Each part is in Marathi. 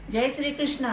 जय श्री कृष्ण.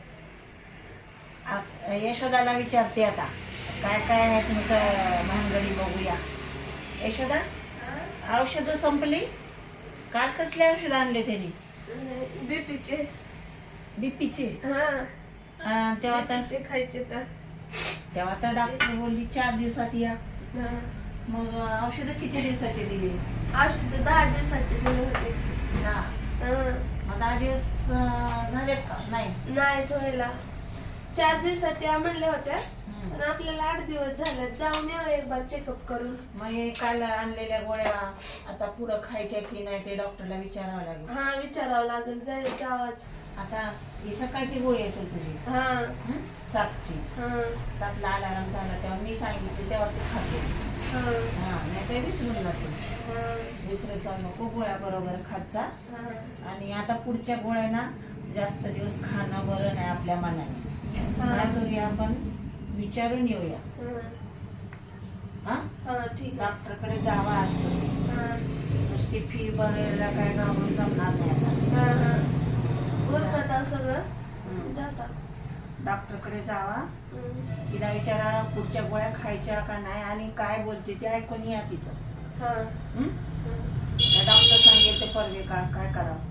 यशोदाला विचारते आता काय काय आहे तुमचं महागडी बघूया. यशोदा, औषधं संपली? काल कसले औषध आणले त्यांनी? बीपीचे. बीपीचे? हा, तेव्हा तर बीपीचे खायचे तर. तेव्हा तर डॉक्टर बोलली 4 दिवसात या. हा. मग औषधं किती दिवसाचे दिली? औषध 10 दिवसाचे दिले होते. हा. हा. मग 10 दिवस झालेत का? नाही. नाही व्हायला 4 दिवसात या म्हणल्या होत्या, हम्म. पण आपल्याला 8 दिवस झाले. जाऊन या एक बार चेकअप करून. मग हे काल आणलेल्या गोळ्या आता पुढं खायच्या की नाही ते डॉक्टरला विचारावं लागेल. हा, विचारावं लागेल. जायचं आवाज. आता ही सकाळची गोळी असेल तुझी. हा. 7ची. हा. 7ला अलार्म झाला तेव्हा मी सांगितले तेव्हा तू खातेस. हा. हा, नाही तर विसरून जातेस. हा. विसरत जाऊ नको, गोळ्या बरोबर खात जा. हा. आणि आता पुढच्या गोळ्यांना जास्त दिवस खाणं बरं नाही आपल्या मनाने. काय करूया आपण, विचारून येऊया. हा, हा, ठीक आहे. डॉक्टरकडे जावा असतो. हा. नुसती फी भरायला काय घाबरून जमणार नाही आता. हा. हा. उरकत सगळं हम्म. जाता. डॉक्टरकडे जावा, तिला विचारा पुढच्या गोळ्या खायच्या का नाही आणि काय बोलते ते ऐकून या तिचं. हा. डॉक्टर सांगेल ते परवे का काय करावं.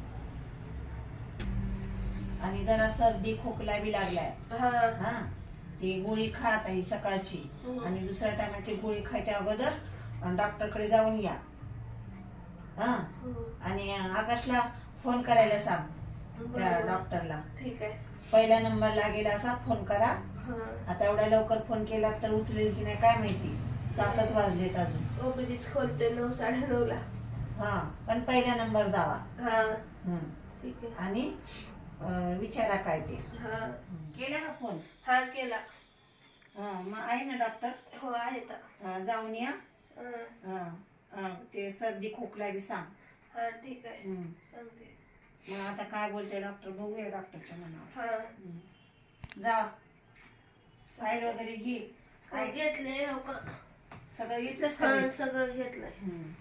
आणि जरा सर्दी खोकला बी लागलाय. हा. हा, ती गोळी खात आहे सकाळची आणि दुसऱ्या टायमाची गोळी खायच्या अगोदर डॉक्टरकडे जाऊन या. हा, आणि आकाशला फोन करायला सांग त्या बरोबर. डॉक्टरला. ठीक आहे. पहिला नंबर लागेल असा फोन करा. हा. आता एवढ्या लवकर फोन केला तर उचलेल की नाही काय माहिती. 7च वाजलेत अजून. ओपीडीच खोलते 9 9:30 ला. हा, पण पहिला नंबर जावा. हा. हम्म. ठीक आहे. आणि विचारा काय ते. हा. केला का फोन? हा, केला. हा, मग आहे ना डॉक्टर? हो, आहे तर. जाऊन या. हा. ते सर्दी खोकला बी सांग. हा, ठीक आहे. हम्म. सांगते. मग आता काय बोलते डॉक्टर बघूया डॉक्टरच्या मनावर. हा. जा, फाईल वगैरे घे. काय काय घेतले हो का? सगळं घेतलंस का? हा, सगळं घेतलंय.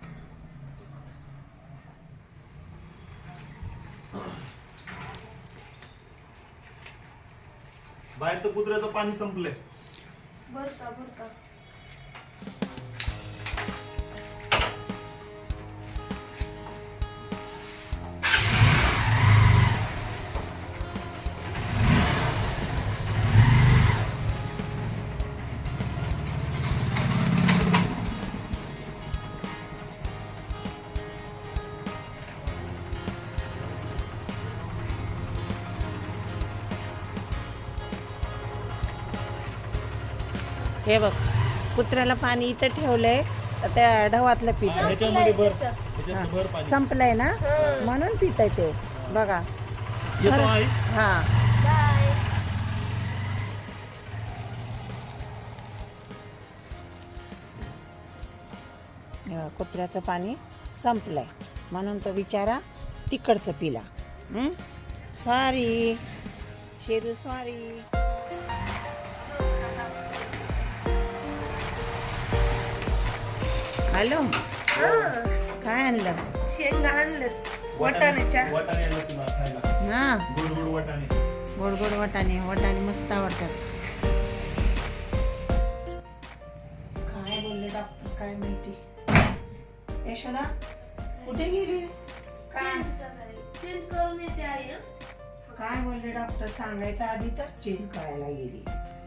बाहेरचं कुत्र्याचं पाणी संपलंय. बरं का. हे बघ, कुत्र्याला पाणी इथं ठेवलंय तर त्या ढवातलं पित ह्याच्यामध्ये भर, त्याच्यात. ह्याच्यात भर पाणी. संपलंय ना म्हणून पित ते. बघा. येतो आई. हा, बाय. कुत्र्याचं पाणी संपलंय म्हणून तो बिचारा तिकडचं पिला. Sorry Sheru, sorry. हॅलो, हा. काय आणलं? शेंगा आणलं वाटाण्याच्या. वाटाणे आणलं तुला खायला. हा, गोड गोड वाटाणे. गोड गोड वाटाणे. वाटाणे मस्त आवडतात. काय बोलले डॉक्टर काय माहिती. यशोदा कुठे गेली? काय चेंज करून येते आई. काय बोलले डॉक्टर सांगायचं आधी तर चेंज करायला गेली.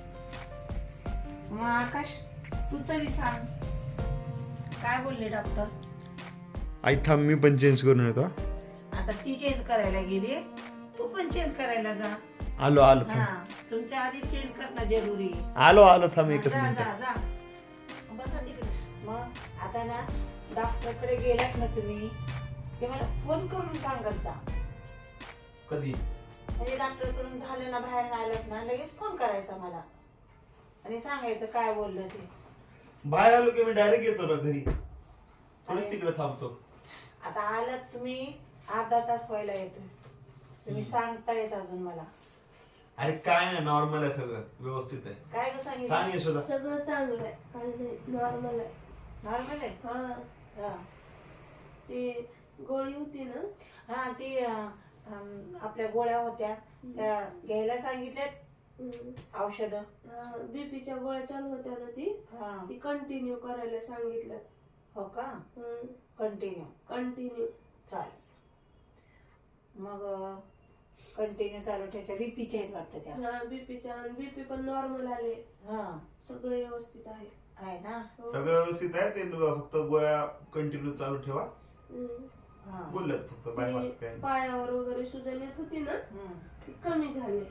मग आकाश तू तरी सांग काय बोलले डॉक्टर. आई थांब, मी पण चेंज करून येतो. आता ती चेंज करायला गेली, तू पण चेंज करायला जा. आलो आलो हा, थांब. तुमच्या आधी चेंज करणं जरुरी आहे. आलो थांब एकच जा मिनिट. जा जा, बसा तिकडे. मग आता ना डॉक्टरकडे गेलात ना तुम्ही ते मला फोन करून सांगत जा. कधी? म्हणजे डॉक्टरकडून झालं ना बाहेर आलात ना लगेच फोन करायचा मला आणि सांगायचं काय बोललं ते. बाहेर आलो की मी डायरेक्ट येतो ना घरी. थोडीच तिकडे थांबतो. आता आलात तुम्ही अर्धा तास व्हायला येतोय. तुम्ही सांगतायच अजून मला. अरे काय नाही, नॉर्मल आहे सगळं, व्यवस्थित आहे. काय ग सांग सांगितलं? यशोदा. सगळं चांगलं आहे, काही नाही, नॉर्मल आहे. नॉर्मल आहे. हा. हा. ते गोळी होती ना. हा, ती आपल्या गोळ्या होत्या त्या घ्यायला सांगितल्यात औषधं. बीपीच्या गोळ्या चालू होत्या ना ती कंटिन्यू करायला सांगितलं. हो का? कंटिन्यू चालेल. मग कंटिन्यू चालू ठेवायच्या. बीपीच्या आहेत वाटतं त्या. बीपी पण नॉर्मल आले. सगळं व्यवस्थित आहे ना? सगळं व्यवस्थित आहे. ते फक्त गोळ्या कंटिन्यू चालू ठेवा बोलल्यात फक्त. पायावर वगैरे सुजन येत होती ना ती कमी झाली.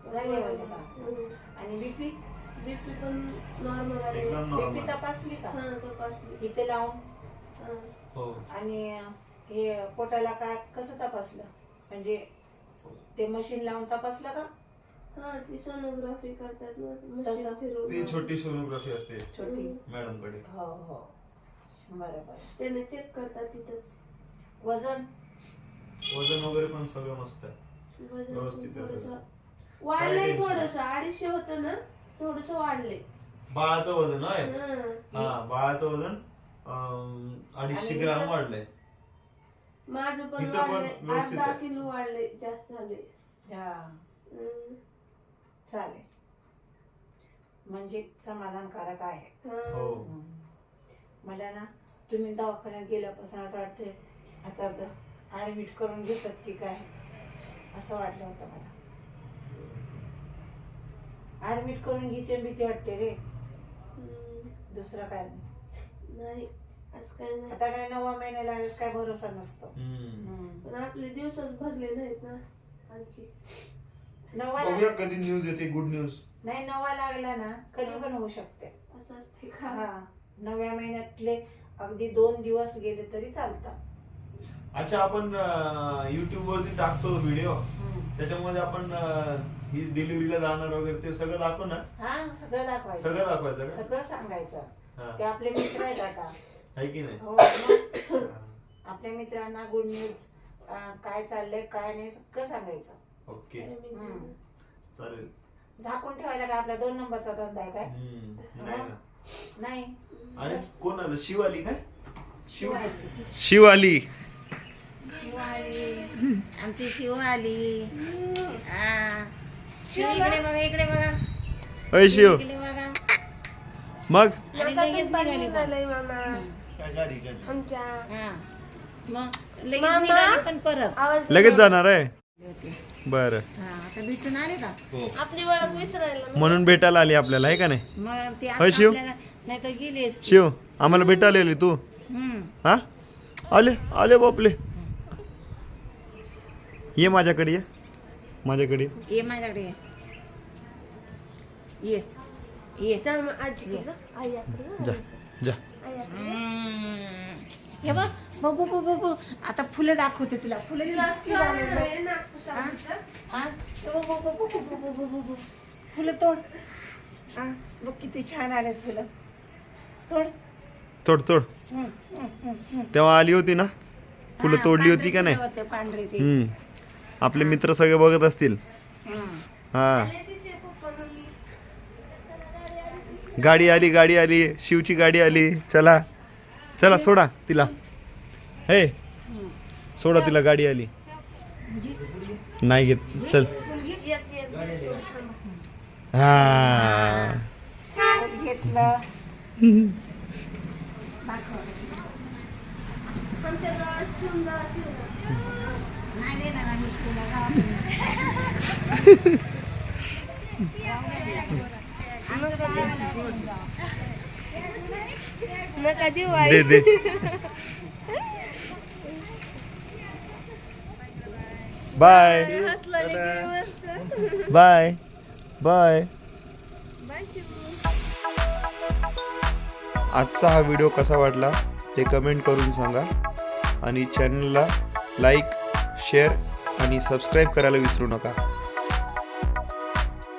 आणि बीपी पण नॉर्मल आले. बीपी तपासली का? तपासली इथे लावून. आणि हे पोटाला काय कसं तपासलं? म्हणजे ते मशीन लावून तपासलं का? ती सोनोग्राफी करतात ना ती छोटी सोनोग्राफी असते छोटी मॅडम कडे. हो बरोबर. त्याने चेक करतात तिथंच. वजन वगैरे पण सगळं मस्त आहे. व्यवस्थित आहे. वाढलंय थोडस. 250 होतं ना थोडस वाढलंय. बाळाचं वजन आहे. बाळाचं वजन 250 ग्राम वाढलंय. माझं पण वाढलंय. 10 किलो वाढलंय. जास्त झाले. चालेल. म्हणजे समाधानकारक आहे. मला ना तुम्ही दवाखान्यात गेल्यापासून असं वाटतंय आता ऍडमिट करून घेतात की काय असं वाटलं होतं मला. ऍडमिट करून घेते भीती वाटते रे. दुसरं काय नाही. आता काय 9व्या महिन्याला आलेस काय भरोसा नसतो. पण आपले दिवसच भरले नाहीत ना आणखी. 9व्या कधी न्यूज येते गुड न्यूज. नाही 9वा लागला ना कधी पण होऊ शकते. असं असते का? 9व्या महिन्यातले अगदी 2 दिवस गेले तरी चालतात. अच्छा, आपण युट्यूब वरती टाकतो व्हिडिओ. त्याच्यामध्ये आपण ही डिलिव्हरीला जाणार वगैरे ते सगळं दाखव ना. सगळं दाखवायचं. सगळं दाखवायचं का? सगळं सांगायचं. ते आपले मित्र आहेत आता. आहे की नाही? हो. आपल्या मित्रांना गुड न्यूज काय चाललंय काय नाही सगळं सांगायचं. ओके चालेल. झाकून ठेवायला काय आपला 2 नंबरचा धंदा आहे काय? नाही. आणि कोण आलं? शिवाली काय? शिवाली आमची शिवाली. इकडे बघा इकडे बघा. शिव इकडे बघा. मग लगेच निघाली पण परत लगेच जाणार आहे. बरं. आता भेटून आले का? आपली ओळख विसरायला म्हणून भेटायला आली आपल्याला आहे का नाही? मग ते शिव नाही तर गेली. शिव आम्हाला भेटायला आली तू. हा आले बापले. ये माझ्याकडे ये. माझ्याकडे ये. माझ्याकडे ये. ये जा जा. हे बघ बघू बघू आता फुलं दाखवते तुला. फुलं फुलं तोड. बघ किती छान आलेत फुलं. तोड तोड तोड. तेव्हा आली होती ना फुलं तोडली होती का नाही? पांढरे ते. आपले मित्र सगळे बघत असतील. हा गाडी आली शिवची गाडी आली. चला चला सोडा तिला. हे सोडा तिला गाडी आली. नाही घेत चल. हा घेतलं. नका देऊ दे बाय बाय बाय. आजचा हा व्हिडिओ कसा वाटला ते कमेंट करून सांगा. आणि चॅनलला लाईक शेअर आणि सबस्क्राईब करायला विसरू नका.